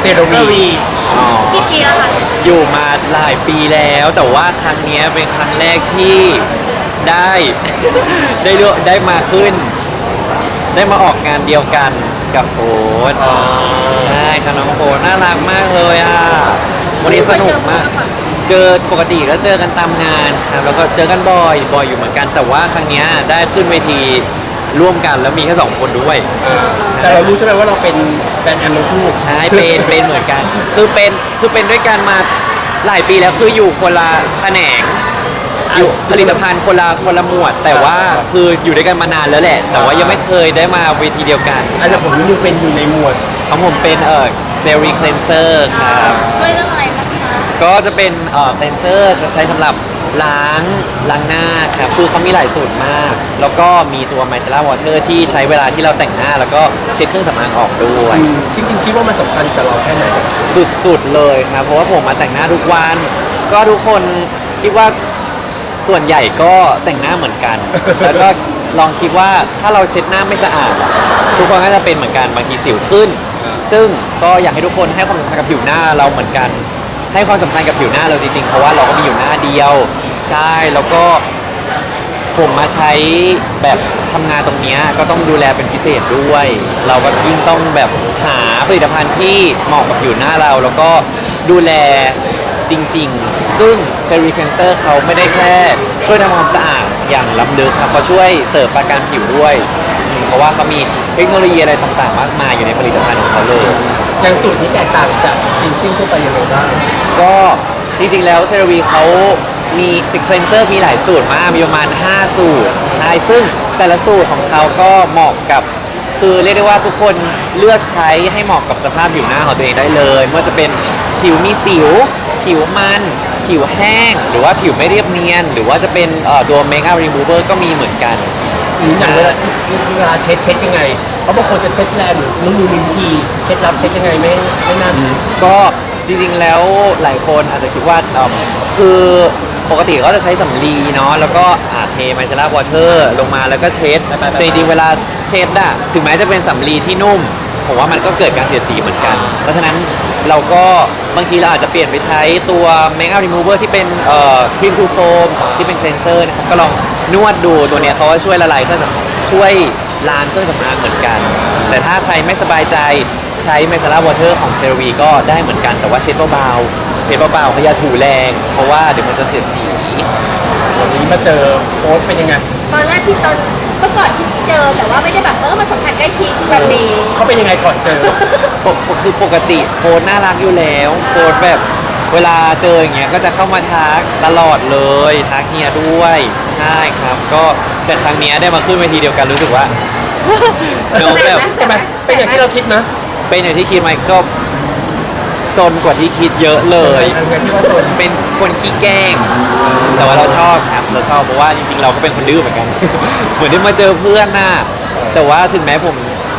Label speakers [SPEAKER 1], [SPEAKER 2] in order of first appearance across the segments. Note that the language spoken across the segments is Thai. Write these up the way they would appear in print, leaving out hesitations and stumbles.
[SPEAKER 1] เซโรวี
[SPEAKER 2] อ๋อ
[SPEAKER 3] กี่ปีแล้วคะ
[SPEAKER 2] อยู่มาหลายปีแล้วแต่ว่าครั้งเนี้ยเป็นครั้งแรกที่ได้ ได้มาขึ้น ได้มาออกงานเดียวกันกับโฟนใช่ค่ะน้องโฟนน่ารักมากเลยอ่ะวันนี้สนุกมาก เจอปกติก็เจอกันตามงานครับแล้วก็เจอกันบ่อยอยู่เหมือนกัน แต่ว่าครั้งเนี้ยได้ขึ้นเวทีร่วมกันแล้วมีแค่2 คนด้วย
[SPEAKER 1] แต่เรารู้ใช่ไหมว่าเราเป็นแบรนด์แอมทั้งคู่
[SPEAKER 2] ใช่เป็นเหมือนกันคือเป็นด้วยกันมาหลายปีแล้วคืออยู่คนละแขนงอยู่ผลิตภัณฑ์คนละหมวด แต่ว่าคืออยู่ด้วยกันมานานแล้วแหละ แต่ว่ายังไม่เคยได้มาเวทีเดียวกัน
[SPEAKER 1] อันนี้ผมนิวเป็นอยู่ในหมวด
[SPEAKER 2] ของผมเป็นเซรีคเลนเซอร์ครับ
[SPEAKER 3] ช่วยเรื่องอะไรบ้างคะ
[SPEAKER 2] ก็จะเป็นคเลนเซอร์ใช้สำหรับล้างหน้าครับคือเขามีหลายสูตรมาก แล้วก็มีตัวไมเซล่าวอเตอร์ที่ใช้เวลาที่เราแต่งหน้า แล้วก็เช็ดเครื่องสำอางออกด้วย
[SPEAKER 1] จริงๆคิดว่ามันสำคัญกับเราแค่ไหน
[SPEAKER 2] สุดๆเลยครับ เพราะว่าผมมาแต่งหน้าทุกวัน ก็ทุกคนคิดว่าส่วนใหญ่ก็แต่งหน้าเหมือนกัน แล้วก็ลองคิดว่าถ้าเราเช็ดหน้าไม่สะอาดอะทุกคนก็จะเป็นเหมือนกันบางทีสิวขึ้น ซึ่งก็อยากให้ทุกคนให้ความสำคัญกับผิวหน้าเราเหมือนกัน ให้ความสำคัญกับผิวหน้าเราจริงๆเพราะว่าเราก็มีอยู่หน้าเดียว ใช่แล้วก็ผมมาใช้แบบทำงานตรงเนี้ยก็ต้องดูแลเป็นพิเศษด้วย เราก็ยิ่งต้องแบบหาผลิตภัณฑ์ที่เหมาะกับผิวหน้าเรา แล้วก็ดูแลจริงๆ ซึ่งเซรีเคนเซอร์เขาไม่ได้แค่ช่วยทำความสะอาดอย่างล้ำลึกครับเขาช่วยเสริมประกันผิวด้วยเพราะว่าเขามีเทคโนโลยีอะไรต่างๆมากมายอยู่ในผลิตภัณฑ์ของเขาเลย
[SPEAKER 1] อย่างสูตรนี้แตกต่างจากคลีนซิ่งทั่วไปยังไงบ้าง
[SPEAKER 2] ก็จริงๆแล้วเซรวีเขามีสิคเลนเซอร์มีหลายสูตรมากมีประมาณ5 สูตรใช่ซึ่งแต่ละสูตรของเขาก็เหมาะกับคือเรียกได้ว่าทุกคนเลือกใช้ให้เหมาะกับสภาพผิวหน้าของตัวเองได้เลยไม่ว่าจะเป็นผิวมีสิว ผิวมันผิวแห้ง หรือว่าผิวไม่เรียบเนียน หรือว่าจะเป็นตัวเมคอัพรีมูเวอร์ก็มีเหมือนกัน
[SPEAKER 1] อย่างเวลาเช็ดยังไงเพราะบางคนจะเช็ดแรงหรือนุ่มมีวิธีเคล็ดลับเช็ดยังไงไม่น่า
[SPEAKER 2] ก็จริงๆแล้วหลายคนอาจจะคิดว่าคือปกติก็จะใช้สำลีเนาะแล้วก็เทไมเซล่าวอเตอร์ลงมาแล้วก็เช็ดแต่จริงๆเวลาเช็ดอะถึงแม้จะเป็นสำลีที่นุ่มผมว่ามันก็เกิดการเสียดสีเหมือนกัน เพราะฉะนั้นเราก็บางทีเราอาจจะเปลี่ยนไปใช้ตัวเมคอัพรีมูเวอร์ที่เป็นครีมทูโฟมที่เป็นเคลนเซอร์นะครับก็ลองนวดดูตัวเนี้ยเขาก็ช่วยละลายเครื่องสำอางช่วยล้างเครื่องสำอางเหมือนกัน แต่ถ้าใครไม่สบายใจใช้ไมเซล่าวอเตอร์ของเซรวีก็ได้เหมือนกันแต่ว่าเช็ดเบาๆเขาอย่าถูแรง เพราะว่าเดี๋ยวมันจะเสียดสี
[SPEAKER 1] วันนี้มาเจอโค้ชเป็นยังไง
[SPEAKER 3] ตอนแรกที่เมื่อก่อนที่เจอแต่ว่าไม่ได้แบบมาสัมผัสใกล้ชิดแบบนี้
[SPEAKER 1] เขาเป็นยังไงก่อนเจอ
[SPEAKER 2] คือปกติโค้ดน่ารักอยู่แล้วโค้ดแบบเวลาเจออย่างเงี้ยก็จะเข้ามาทักตลอดเลยทักเฮียด้วยใช่ครับก็แต่ครั้งเนี้ยได้มาขึ้นเวทีเดียวกันรู้สึกว่า น้องแบบ
[SPEAKER 1] ใช่ไหมเป็นอย่างที่เราคิดนะ
[SPEAKER 2] เป็นอย่างที่คิดไหมก็ซนกว่าที่คิดเยอะเลย
[SPEAKER 1] อย่างที่ว่าโซน
[SPEAKER 2] เป็นคนขี้แกล้ง แต่ว่าเราชอบครับเราชอบเพราะว่าจริงๆเราก็เป็นคนดื้อเหมือนกัน เหมือนได้มาเจอเพื่อนน่ะแต่ว่าถึงแม้ผม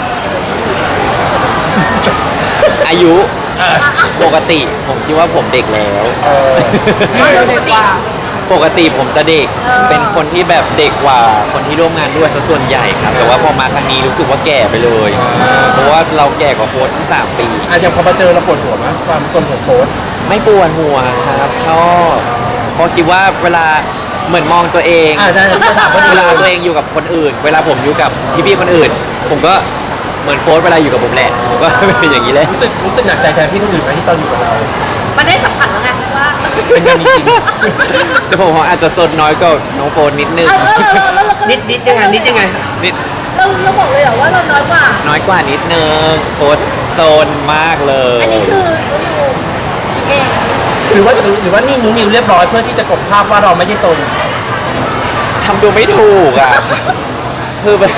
[SPEAKER 2] อายุปกติผมคิดว่าผมเด็กแล้ว
[SPEAKER 3] เราเด็กกว่า
[SPEAKER 2] ปกติผมจะเด็ก เป็นคนที่แบบเด็กกว่าคนที่ร่วมงานด้วยซะส่วนใหญ่ครับ แต่ว่าพอมาครั้งนี้รู้สึกว่าแก่ไปเลย เพราะว่าเราแก่กว่าโค้ชทั้ง3 ปี
[SPEAKER 1] อย่างพอมาเจอเราปวดหัวมั้ยความสนของโค้ช
[SPEAKER 2] ไม่ปวดหัวครับชอบเพราะคิดว่าเวลาเหมือนมองตัวเอง
[SPEAKER 1] ได้จะถามว่า
[SPEAKER 2] เวลาตัวเองอยู่กับคนอื่น เวลาผมอยู่กับพี่ๆคนอื่น ผมก็เหมือนโค้ชเวลาอยู่กับผมแหละผมก็ เป็นอย่างนี้แหละ
[SPEAKER 1] รู้สึกหนักใจแทนพี่คนอื่นไหมที่ตอนอยู่กับเรา
[SPEAKER 3] มันได้สัมผัสแล้วไงว่า
[SPEAKER 2] เป็นอย่างนี้จริง แต่ผมอาจจะสดน้อยกว่าน้องโฟนนิดนึง
[SPEAKER 3] แล้วเราก็
[SPEAKER 1] นิดยังไงนิด
[SPEAKER 3] เราบอกเลยเหรอว่าเราน้อยกว่า
[SPEAKER 2] น้อยกว่านิดนึงโฟนโซนมากเลย
[SPEAKER 3] อันนี้คือนิวคิดเอง
[SPEAKER 1] หรือว่านี่นูนิวเรียบร้อยเพื่อที่จะกลบภาพว่าเราไม่ได้โซน
[SPEAKER 2] ทำตัวไม่ถูกอ่ะ คือแบบ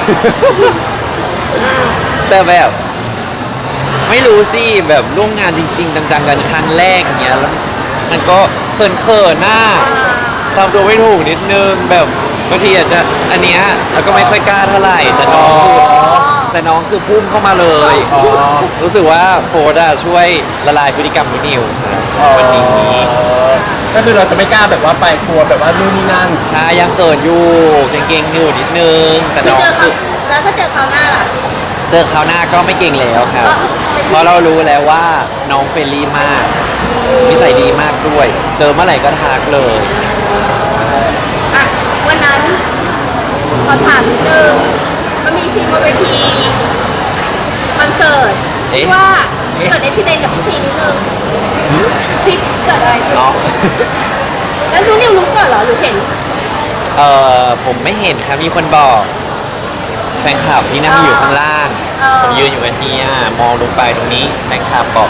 [SPEAKER 2] แต่แบบไม่รู้สิแบบร่วมงานจริงๆจังๆกันครั้งแรกอย่างเงี้ยแล้วมันก็เขินๆหน้าทำตัวไม่ถูกนิดนึงแบบบางทีอาจจะอันเนี้ยแล้วก็ไม่ค่อยกล้าเท่าไหร่แต่น้องคือพุ่งเข้ามาเลย รู้สึกว่าโฟร์ดช่วยละลายพฤติกรรมนิวครับวันนี้
[SPEAKER 1] ก็คือเราจะไม่กล้าแบบว่าไปกลัวแบบว่านู่นนี่นั่น
[SPEAKER 2] ใช่ยังเขินอยู่เก่งๆอยู่นิดนึงแต่
[SPEAKER 3] คือ
[SPEAKER 2] น้อง
[SPEAKER 3] เจอเขา
[SPEAKER 2] คือ
[SPEAKER 3] แล้วถ้าเจอเขาวหน้าล่ะ
[SPEAKER 2] เจอคราวหน้าก็ไม่เก่งแล้วครับ เพราะเรารู้แล้วว่าน้องเฟรนลี่มากนิสัยดีมากด้วย เจอเมื่อไหร่ก็ทักเลย
[SPEAKER 3] อ่ะวันนั้นขอถามนิดนึงมันมีซีนบนเวทีคอนเสิร์ตที่ว่าเกิดอุบิเหตุกับพี่ซีนิดนึงซิปเกิดอะไรขึ้น
[SPEAKER 2] เนาะ
[SPEAKER 3] แล้วนิวรู้ก่อนเหรอหรือเห็น
[SPEAKER 2] ผมไม่เห็นครับมีคนบอกแฟนคลับที่นั่งอยู่ข้างล่างผมยืนอยู่กับเฮียมองลงไปตรงนี้แฟนคลับบอก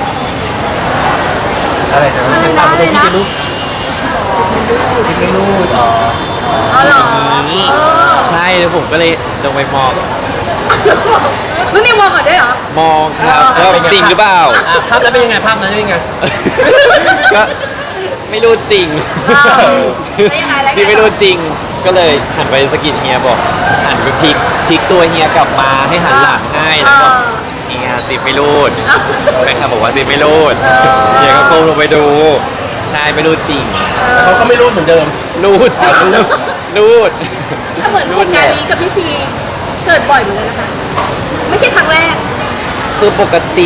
[SPEAKER 1] อะไรนะ
[SPEAKER 3] อะไรนะ
[SPEAKER 1] ตาม
[SPEAKER 3] อะไร
[SPEAKER 1] ที่
[SPEAKER 3] นะ
[SPEAKER 1] จะรู้ซิไม่รู้อ๋อ
[SPEAKER 3] อ๋อเหรอเออ
[SPEAKER 2] ใช่แล้วผมก็เลยลงไปมอง
[SPEAKER 3] แล้วนิวมองก่อนด้วยเหรอ
[SPEAKER 2] มองครับว่าจริงหรือเปล่า
[SPEAKER 1] ภาพนั้นเป็นยังไงภาพนั้นเป็นยังไง
[SPEAKER 2] ก็ไม่รู้จริง
[SPEAKER 3] แล้วยังไงแล้วยังไง
[SPEAKER 2] ที่ไม่รู้จริงก็เลยหันไปสะกิดเฮียบอกหันไปพลิกตัวเฮียกลับมาให้หันหลังให้แล้วก็เฮียซิไม่รูดแฟนคลับบอกว่าซิไม่รูดเฮียก็ก้มลงไปดูใช่ไม่รู้จริง
[SPEAKER 1] แต่เขาก็ไม่รู้เหมือนเดิม
[SPEAKER 2] รูดสิรูด
[SPEAKER 3] ถ้าเหมือนเหตุการณ์นี้กับพี่ซีเกิดบ่อยเหมือนกันนะคะ ไม่ใช่ครั้งแรก
[SPEAKER 2] คือปกติ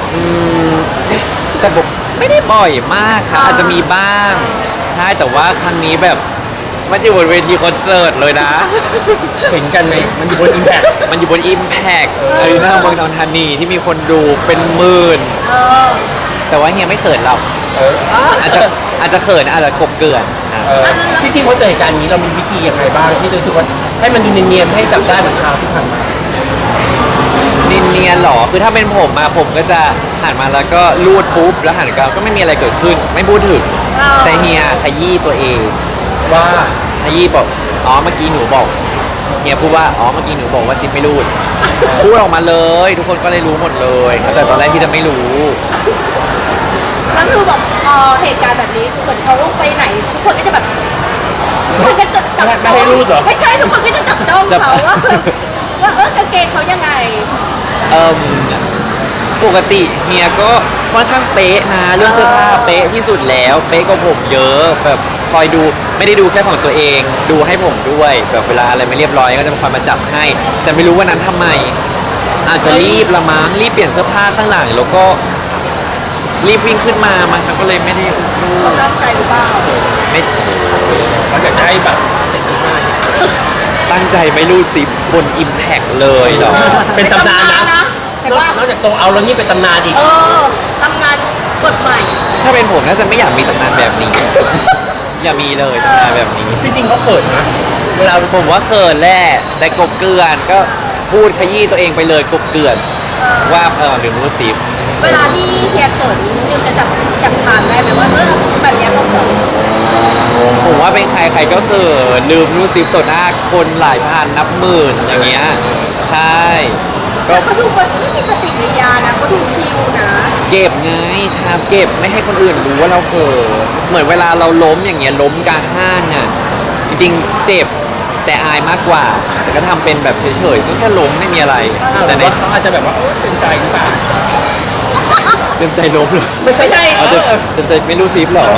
[SPEAKER 2] แต่บอกไม่ได้บ่อยมากครับอาจจะมีบ้าง ใช่แต่ว่าครั้งนี้แบบมันอยู่บนเวทีคอนเสิร์ตเลยนะ
[SPEAKER 1] เห็นกันไหมมันอยู่บนอิมแพค
[SPEAKER 2] มันอยู่บน Impact อารีนาเมืองทองธานีที่มีคนดูเป็นหมื่น
[SPEAKER 3] เออ
[SPEAKER 2] แต่ว่าเฮียไม่เขินเรา อาจจะเขินอาจจะกบเกลื่อนนะ
[SPEAKER 1] จริงๆพอเจอเหตุการณ์นี้เรามีวิธียังไงบ้างที่รู้สึกว่าให้มันดูเนียนๆให้จับได้เหมือนคราวที่ผ่านมา
[SPEAKER 2] เนียนๆหรอคือถ้าเป็นผมมาผมก็จะหันมาแล้วก็ลูดปุ๊บแล้วหันกลับก็ไม่มีอะไรเกิดขึ้น ไม่พูดถึงแต่เฮียขยี้ตัวเอง
[SPEAKER 1] ว่า
[SPEAKER 2] ขยี้บอกอ๋อเมื่อกี้หนูบอกเฮียพูดว่าอ๋อเมื่อกี้หนูบอกว่าซิปไม่รูดพูดออกมาเลย ทุกคนก็เลยรู้หมดเลยแต่ตอนแรกที่จะไม่รู้
[SPEAKER 3] แล้วคือแบบพอเหตุการณ์แบบนี้เหมือนเขาไปไหน ทุกคนก็จะแบบทุกคนก็จะจับ
[SPEAKER 1] ไม่
[SPEAKER 3] จ้อง
[SPEAKER 1] ให้รูดเหรอ
[SPEAKER 3] ไม่ใช่ทุกคนก็จะจับจ้องเขาว่าเออกางเกงเขายังไง
[SPEAKER 2] เอิ่มปกติเฮียก็ค่อนข้างเป๊ะนะเรื่องเสื้อผ้าเป๊ะที่สุดแล้วเป๊ะกว่าผมเยอะแบบคอยดูไม่ได้ดูแค่ของตัวเอง ดูให้ผมด้วยแบบเวลาอะไรไม่เรียบร้อยก็จะคอยมาจับให้ แต่ไม่รู้ว่านั้นทำไม อาจจะรีบละมั้งรีบเปลี่ยนเสื้อผ้าข้างหลังแล้วก็รีบวิ่งขึ้นมามันก็เลยไม่ได้รู
[SPEAKER 3] เขา
[SPEAKER 2] ด
[SPEAKER 3] ตั้งใจหรือเปล่า
[SPEAKER 2] ไม่
[SPEAKER 1] เขาอยากได้แบบ7.5
[SPEAKER 2] ตั้งใจไม่รูดซิปบน Impact เลยเหรอ
[SPEAKER 1] เป็นตำนานนะ
[SPEAKER 3] เห็นว่าน
[SPEAKER 1] อกจากโซเอาแล้วนี่เป็นตำนานอีก
[SPEAKER 3] เออตำนานกฎใหม่
[SPEAKER 2] ถ้าเป็นผมน่าจะไม่อยากมีตำนานแบบนี้ อย่ามีเลยตำนานแบบนี้
[SPEAKER 1] จริงๆเขาเขินนะเวลา
[SPEAKER 2] ผมว่าเขินแหละแต่กบเกลื่อนก็พูดขยี้ตัวเองไปเลยกบเกลื่อนว่าหรือรู้สิบ
[SPEAKER 3] เวลาที่เฮียเขินนิวจะจับทางได้ไหมว่าแบบเนี้ยเขาเขิน
[SPEAKER 2] ผมว่าเป็นใครใครก็คือลืมรู้สิบต่อหน้าคนหลายพันนับหมื่นอย่างเงี้ยใช่ก็
[SPEAKER 3] แต่เขาดูไม่มีปฏิกิริยานะเขาดูชิลนะ
[SPEAKER 2] เก็บไงครับเก็บไม่ให้คนอื่นรู้ว่าเราเขินเหมือนเวลาเราล้มอย่างเงี้ยล้มกลางห้างอ่ะจริงๆเจ็บแต่อายมากกว่า แต่ก็ทำเป็นแบบเฉยๆก็แค่ล้มไม่มีอะไร
[SPEAKER 1] แต่
[SPEAKER 2] แต่ใน
[SPEAKER 1] ว่าเขาอาจจะแบบว่าเต็มใจหรือเปล่า
[SPEAKER 2] เต็มใจล้มเลย
[SPEAKER 1] ไม่ใช่
[SPEAKER 2] เอาเต็มใจไม่รู้ซิปเหรอ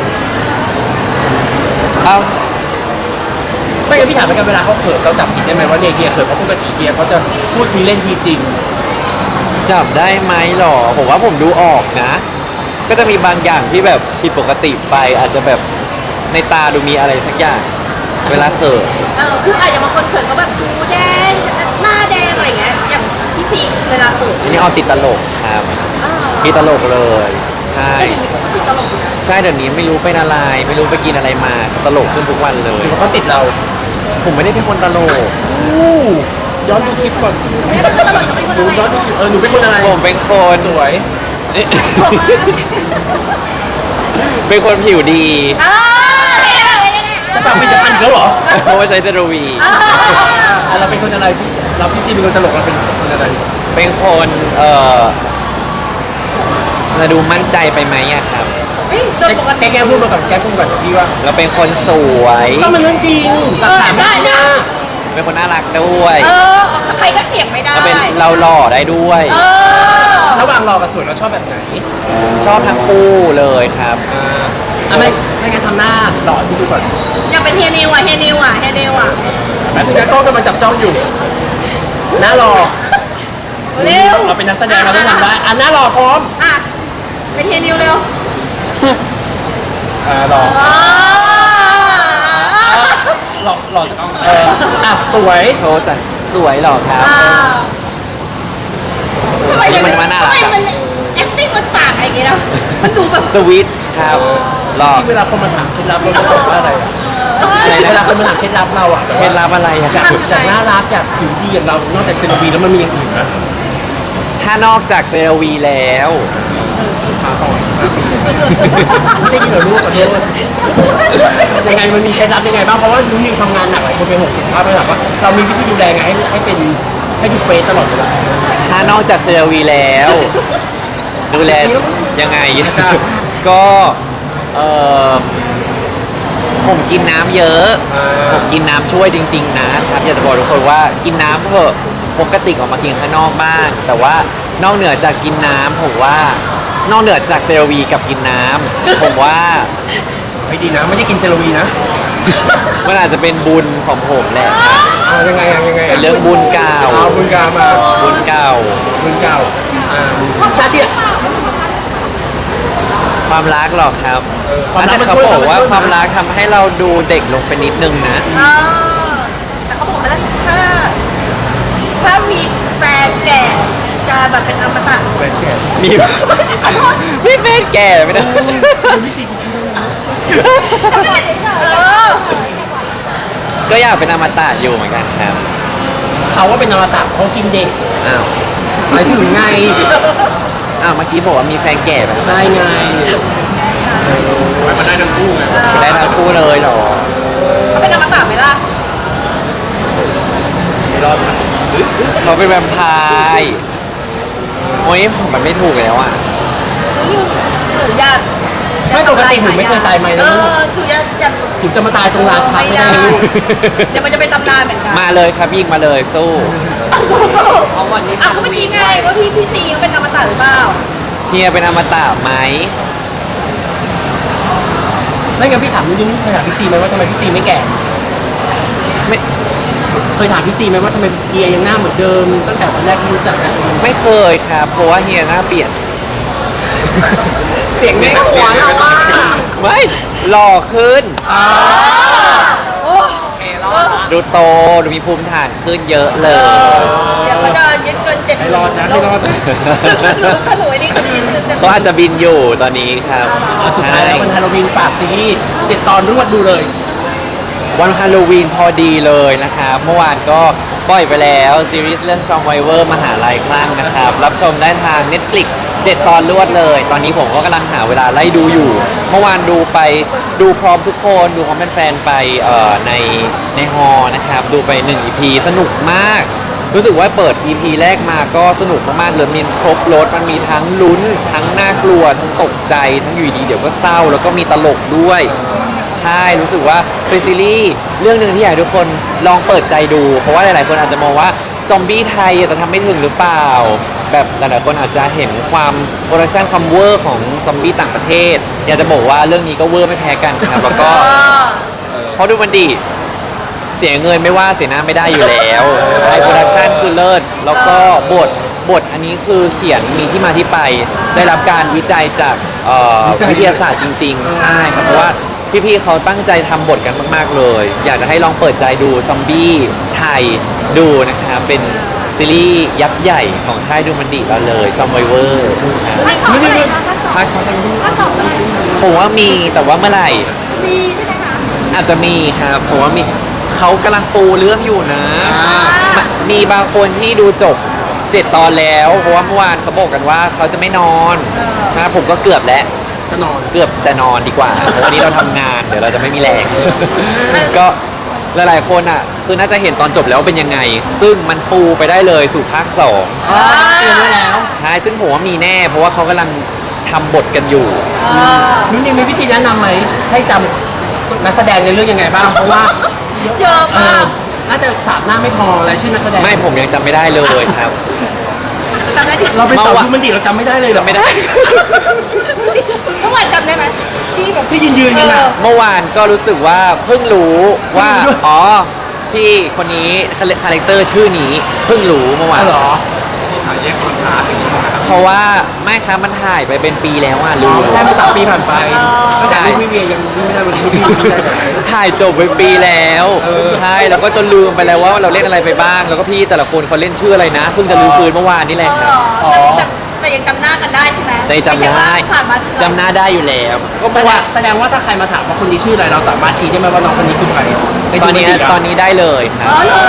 [SPEAKER 2] เอา
[SPEAKER 1] ไม่งั้นพี่ถามเหมือนกันเวลาเขาเขินเราจับผิดได้ไหมว่าเนี่ยเฮียเขินเพราะปกติเฮียเขาจะพูดทีเล่นทีจริง
[SPEAKER 2] จับได้ไหมหรอผมว่าผมดูออกนะ ก็จะมีบางอย่างที่แบบผิดปกติไป อาจจะแบบในตาดูมีอะไรสักอย่าง เวลาเขิน
[SPEAKER 3] คืออาจจะบางคนเขินเขาแบบหูแดงหน้าแดงอะไรเงี้ยอย่างพี่ซีเวลาเขิน
[SPEAKER 2] อันนี้ออติดตลกครับติดตลกเลยใช่
[SPEAKER 3] แต่เดี๋ยวนี้เขาก็ติดตลกอยู่นะ
[SPEAKER 2] ใช่เดี๋ยวนี้ไม่รู้เป็นอะไร ไม่รู้ไปกินอะไรมาตลกขึ้นทุกวันเลย
[SPEAKER 1] หรือว่าเขาติดเรา
[SPEAKER 2] ผมไม่ได้เป็นคนตลก
[SPEAKER 1] อู้ย้อนดูคลิปก่อนดูย้อนดูคลิปหนูเป็นคนอะไร
[SPEAKER 2] ผมเป็นคน
[SPEAKER 1] สวย
[SPEAKER 2] เป็นคนผิวดี
[SPEAKER 1] จะฝากผลิตภัณฑ์อีกแล้วเหรอ
[SPEAKER 2] เพราะว่าใช้เซรวี
[SPEAKER 1] เราเป็นคนอะไรพี่ซีเป็นคนตลกเราเป็นคนอะไร
[SPEAKER 2] เป็นคนจะดูมั่นใจไปไหมอะครับ
[SPEAKER 3] เฮ้ยโดยปกติ
[SPEAKER 1] แกพูดมาก่อนแกพูดก่อนพี่ว่า
[SPEAKER 2] เราเป็นคนสวย
[SPEAKER 1] ก็มันเรื่องจริงหลักฐานไม่ได้นะ
[SPEAKER 2] เป็นคนน่ารักด้วย
[SPEAKER 3] ใครก็เถียงไม่ได้
[SPEAKER 2] เราเป็นเราหล่อได้ด้วย
[SPEAKER 1] ระหว่างรอกับสวยเราชอบแบบไหน
[SPEAKER 2] ชอบทั้งคู่เลยครับ
[SPEAKER 1] ไม่งั้นทำหน้าหล่อพี่ดูก่อน
[SPEAKER 3] อยากเป็นเฮียนิวอ่ะ
[SPEAKER 1] แบบนี้ก็กำลังจับจ้องอยู่หน้ารอ
[SPEAKER 3] เร็ว
[SPEAKER 1] เราเป็นนักแสดงเราต้องทำได้อันหน้ารอพร้อม
[SPEAKER 3] อ่ะไปเทียนิวเร็ว
[SPEAKER 1] รอ
[SPEAKER 3] อ่า
[SPEAKER 1] หล่อหล่ออ่ะสวย
[SPEAKER 2] โชว์สันสวยหรอครับ
[SPEAKER 3] อ่าทำไม
[SPEAKER 2] นี่มันน่ารัก
[SPEAKER 3] ทำไมมัน acting มันต่างอะไรอย่างเงี้ยนะมันดูแบบ
[SPEAKER 2] สวิตช์ครับหรอ
[SPEAKER 1] ที่เวลาคนมาถามเคล็ดลับเราจะตอบว่าอะไรอะเวลาคนมาถามเคล็ดลับเราอ่ะ
[SPEAKER 2] เคล็ดลับอะไรอะ
[SPEAKER 1] อยากจากน่ารักอยากผิวดีอย่างเรานอกจากเซรวีแล้วมันมีอย่างอื่นไหม
[SPEAKER 2] ถ้านอกจากเซรวีแล้ว
[SPEAKER 1] ขาต่อ5 ปีไม่ได้ยินเหรอลูกขอโทษยังไงมันมีเคล็ดลับยังไงบ้างเพราะว่านุ่นนิวทำงานหนักหลายคนเป็น60ภาพเลยถามว่าเรามีวิธีดูแลไงให้เป็นให้ดูเฟซตลอดเวลา
[SPEAKER 2] ถ้านอกจากเซรวีแล้ว ดูแลยังไง ก็เออผมกินน้ำเยอะ ผมกินน้ำช่วยจริงๆนะครับอยากจะบอกทุกคนว่ากินน้ำเถอะปกติออกมากินข้างนอกบ้างแต่ว่านอกเหนือจากกินน้ำผมว่านอกเหนือจากเซรวีกับกินน้ำผมว่า
[SPEAKER 1] ไม่ดีนะไม่ได้กินเซรวีนะ
[SPEAKER 2] มันอาจจะเป็นบุญของผมแหละครับ
[SPEAKER 1] ยังไงยังไง
[SPEAKER 2] เป็นเรื่องบุญเก่า
[SPEAKER 1] เอาบุญกามา
[SPEAKER 2] บุญเก่า
[SPEAKER 1] บุญเก่าชาติที่
[SPEAKER 2] ความรักหรอกครับ
[SPEAKER 1] ความรัก
[SPEAKER 2] แต่
[SPEAKER 1] มัน
[SPEAKER 2] เขา
[SPEAKER 1] ช่วย
[SPEAKER 2] บอกว่า
[SPEAKER 1] มันช่วย
[SPEAKER 2] ความรักทำให้เราดูเด็กลงไปนิดนึงนะ
[SPEAKER 3] เออแต่เขาบอกว่าถ้ามีแฟนแก่จะแบบเป็นอมตะ
[SPEAKER 1] แฟนแก่
[SPEAKER 2] มี ไม่แฟนแก่ไม่ได้
[SPEAKER 1] พี่ซีกูคิดว่า
[SPEAKER 3] ก็ไม่ได้เฉยๆเออ
[SPEAKER 2] ก็อยากเป็นอมตะอยู่เหมือนกันครับ
[SPEAKER 1] เขาว่าเป็นอมตะเขากินเด็ก
[SPEAKER 2] อ้าว
[SPEAKER 1] หมายถึงไง
[SPEAKER 2] อ้าวเมื่อกี้บอกว่ามีแฟนแก่แบบ
[SPEAKER 1] ได้ไงมันได้ทั้งคู่ไง
[SPEAKER 2] ได้ทั้งคู่เลยเหรอ
[SPEAKER 3] เขาเป็นอมตะไหมล่ะ
[SPEAKER 1] รอดนะ
[SPEAKER 2] เขาเป็นแวมไพร์โอ้ยผมมันไม่ถูกแล้วอ่ะ
[SPEAKER 3] หนูอยาก
[SPEAKER 1] ไม่ปกติหนูไม่เคยตายไหมนะ
[SPEAKER 3] เอ
[SPEAKER 1] ลูก
[SPEAKER 3] อหนูอยาก
[SPEAKER 1] หนูจะมาตายตรงลานพัก
[SPEAKER 3] ไม่
[SPEAKER 1] ไม่
[SPEAKER 3] ได้
[SPEAKER 1] ได้ลูก
[SPEAKER 3] เดี๋ยวมันจะเป็นตำนานเหมือนกัน
[SPEAKER 2] มาเลยครับยิงมาเลยสู้
[SPEAKER 3] เอาวันนี้ก็เมื่อกี้ไงว่าพี่ซีเขาเป็นอมตะหรือเปล่า
[SPEAKER 2] เฮียเป็นอมตะไหม
[SPEAKER 1] ไม่งั้นพี่ถามนุ่นเคยถามพี่ซีไหมว่าทำไมพี่ซีไม่แก่
[SPEAKER 2] ไม่
[SPEAKER 1] เคยถามพี่ซีไหมว่าทำไมเฮียยังหน้าเหมือนเดิม ตั้งแต่วันแรกที่รู้จักกัน
[SPEAKER 2] ไม่เคยครับเพราะว่าเฮียหน้าเปลี่ยน
[SPEAKER 1] เสียงในหัวเราว่า
[SPEAKER 2] ไม่หล่อขึ้น ดูโตดูมีภูมิฐานขึ้นเยอะเลย
[SPEAKER 3] เดี๋ยวเขาจะยึดเกิน7
[SPEAKER 1] ให้รอดนะให้รอดนะ
[SPEAKER 3] ถ้าหนูไอ้นี่เขาจะยึดเกิน
[SPEAKER 2] เขาอาจจะบินอยู่ตอนนี้ครับ
[SPEAKER 1] สุดท้ายแล้ววันฮาโลวีนฝากซีรีส์7 ตอนรวดดูเลย
[SPEAKER 2] วันฮาโลวีนพอดีเลยนะครับ เมื่อวานก็ปล่อยไปแล้วซีรีส์เรื่อง Survivor มหาลัยคลั่งนะครับ รับชมได้ทาง Netflix 7 ตอนรวดเลย ตอนนี้ผมก็กำลังหาเวลาไล่ดูอยู่ เมื่อวานดูไปดูพร้อมทุกคนดูพร้อมแฟนๆไปในฮอลล์นะครับ ดูไป1 EP สนุกมาก รู้สึกว่าเปิด EP แรกมาก็สนุกมากๆเลยมีครบรถมันมีทั้งลุ้น ทั้งน่ากลัว ทั้งตกใจ ทั้งอยู่ดีเดี๋ยวก็เศร้า แล้วก็มีตลกด้วย ใช่รู้สึกว่าเป็นซีรีส์เรื่องหนึ่งที่อยากให้ทุกคนลองเปิดใจดู เพราะว่าหลายๆคนอาจจะมองว่าซอมบี้ไทยจะทำไม่ถึงหรือเปล่า แบบหลายๆคนอาจจะเห็นความโปรดักชันความเวอร์ของซอมบี้ต่างประเทศ อยากจะบอกว่าเรื่องนี้ก็เวอร์ไม่แพ้กันครับแล้วก็เพราะดูมันดีเสียเงินไม่ว่าเสียหน้าไม่ได้อยู่แล้วใช่โปรดักชันคือเลิศแล้วก็บทอันนี้คือเขียนมีที่มาที่ไป ได้รับการวิจัยจากวิทยาศาสตร์จริง ๆ ใช่ครับเพราะว่าพี่ๆเขาตั้งใจทำบทกันมาก ๆ เลย อยากจะให้ลองเปิดใจดูซอมบี้ไทยดูนะครับเป็นซีรีส์ยักษ์ใหญ่ของค่ายดูมันดีเราเลย Survivor ครับ
[SPEAKER 4] ภาคสองเมื่อไหร่คะภาคสอง
[SPEAKER 2] ภาค
[SPEAKER 4] ภาคสองเมื่อไหร่
[SPEAKER 2] ผมว่ามีแต่ว่าเมื่อไหร่
[SPEAKER 4] มีใช่ไหมคะ
[SPEAKER 2] อาจจะมีครับผมว่ามีเขากำลังปูเรื่องอยู่นะ มีบางคนที่ดูจบ7 ตอนแล้วเพราะว่าเมื่อวานเขาบอกกันว่าเขาจะไม่นอนใช่ผมก็เกือบแล้ว
[SPEAKER 1] ก็นอน
[SPEAKER 2] เกือบแต่นอนดีกว่าเพราะวันนี้เราทำงานเดี๋ยวเราจะไม่มีแรง ก็หลายๆคนอ่ะคือน่าจะเห็นตอนจบแล้วเป็นยังไง ซึ่งมันปูไปได้เลยสู่ภาค2
[SPEAKER 1] เตรียมไว้แล้ว
[SPEAKER 2] ใช่ซึ่งผมว่ามีแน่ เพราะว่าเขากำลังทำบทกันอยู่
[SPEAKER 1] นุ่นนี่มีวิธีแนะนำไหมให้จำนักแสดงในเรื่องยังไงบ้าง เพราะว่า
[SPEAKER 3] เยอะมาก
[SPEAKER 1] น่าจะ3 หน้าไม่พอรายชื่อนักแสดง
[SPEAKER 2] ไม่ผมยังจำไม่ได้เลยครับ
[SPEAKER 3] จำได้ดิ
[SPEAKER 1] เราเป็นสาวดูมันดีเราจำไม่ได้เลยเหรอ
[SPEAKER 2] ไม่ได้
[SPEAKER 3] เมื่อวานจำได้ไหมที่แบบ
[SPEAKER 1] ที่ยืนกันอ่ะ
[SPEAKER 2] เมื่อวานก็รู้สึกว่าเพิ่งรู้ว่า
[SPEAKER 1] เพิ่งรู้ด้วย
[SPEAKER 2] อ๋อพี่คนนี้คาแรคเตอร์ชื่อนี้เพิ่งรู้เมื่อวาน
[SPEAKER 1] เหรอถ่ายแยกคอนทราสต์อย่างนี้นะครับ
[SPEAKER 2] เพราะว่าไม่ครับมันถ่ายไปเป็นปีแล้วอ่ะลืม
[SPEAKER 1] ใช่มา3 ปีผ่านไปตั้งแต่ลูกพี่เวียยังไม่ได้วันนี้ลูกพี่ได้แต่
[SPEAKER 2] ถ่ายจบไปปีแล้วใช่แล้วก็จนลืมไปแล้วว่าเราเล่นอะไรไปบ้าง แล้วก็พี่แต่ละคนเขาเล่นชื่ออะไรนะเพิ่งจะรู้ฟื้นเมื่อวานนี่แหละครับ
[SPEAKER 3] แต่ยังจำหน้ากันได้ใช่ไหม
[SPEAKER 2] ในจำได้
[SPEAKER 3] ม่ใช่ว่าผ่านมา
[SPEAKER 2] จำหน้าได้อยู่แล้วก็เพ
[SPEAKER 1] แส
[SPEAKER 2] ราะ
[SPEAKER 1] ด
[SPEAKER 2] ว่าง
[SPEAKER 1] แสดงว่าถ้าใครมาถามว่าคนนี้ชื่ออะไรเราสามารถชี้ได้ไหมว่าน้องคนนี้คือใครใน
[SPEAKER 2] ตอนนี้
[SPEAKER 1] ดูปกะ
[SPEAKER 2] ตอนนี้ได้เลยครับ
[SPEAKER 3] อ๋อเหรอ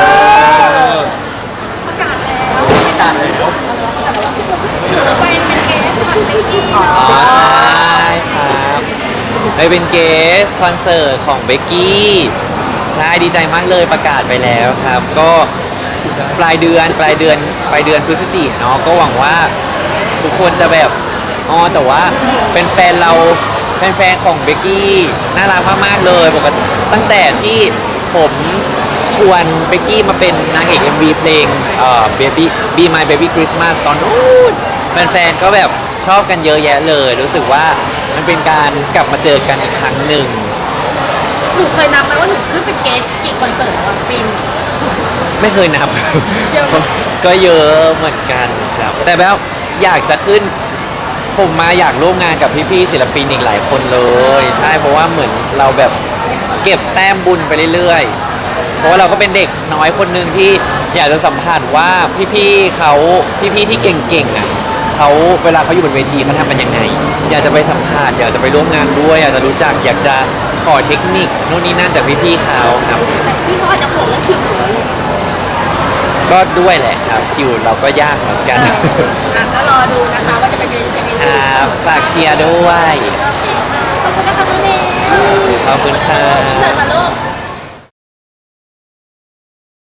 [SPEAKER 4] ประกาศแล้ว
[SPEAKER 1] ประกาศแล้ว
[SPEAKER 4] เป็นเกสคอนเบกกี้
[SPEAKER 2] อ๋อใช่ครับไปเป็นเกสคอนเสิร์ตของเบกกี้ใช่ดีใจมากเลยประกาศไปแล้วครับ ก็ปลายเดือนพฤศจิกายนเนาะก็หวังว่าทุกคนจะแบบอ๋อแต่ว่าเป็นแฟนเราเป็นแฟนของเบกกี้น่ารักมากๆเลยปกติตั้งแต่ที่ผมชวนเบกกี้มาเป็นนางเอก MV เพลงBaby Be My Baby Christmas ตอนนู้นแฟนๆก็แบบชอบกันเยอะแยะเลย รู้สึกว่ามันเป็นการกลับมาเจอกันอีกครั้งหนึ่ง
[SPEAKER 3] หนูเคยนับไหมว่าหนูขึ้นเป็นเกสกี่คอนเสิร์ตแล้วอะปีน
[SPEAKER 2] ไม่เคยนับ
[SPEAKER 3] เยอะไหม
[SPEAKER 2] ก็เยอะเหมือนกันครับ แต่แบบอยากจะขึ้น ผมมาอยากร่วมงานกับพี่ๆศิลปินอีกหลายคนเลย ใช่เพราะว่าเหมือนเราแบบเก็บแต้มบุญไปเรื่อยๆ เพราะว่าเราก็เป็นเด็กน้อยคนหนึ่งที่อยากจะสัมผัสว่าพี่ๆเขาพี่ๆที่เก่งๆอ่ะเขาเวลาเขาอยู่บนเวทีเขาทำมันยังไง อยากจะไปสัมผัสอยากจะไปร่วมงานด้วย อยากจะรู้จักอยากจะขอเทคนิคนู่นนี่นั่นจากพี่ๆเขาครับ
[SPEAKER 3] แต่พี่เขาอาจจะห่วงเรื่องคิวหนูเลย
[SPEAKER 2] ก็ด้วยแหละครับคิวเราก็ยากเหมือนกัน
[SPEAKER 3] ก็รอดูนะคะว่าจะเป็น
[SPEAKER 2] ครับฝากเชียร์ด้วย
[SPEAKER 3] โอเคค่ะขอบคุณนะคะน้องเนย
[SPEAKER 2] ขอบคุณครับ
[SPEAKER 3] อินเสิร์ตกันลูก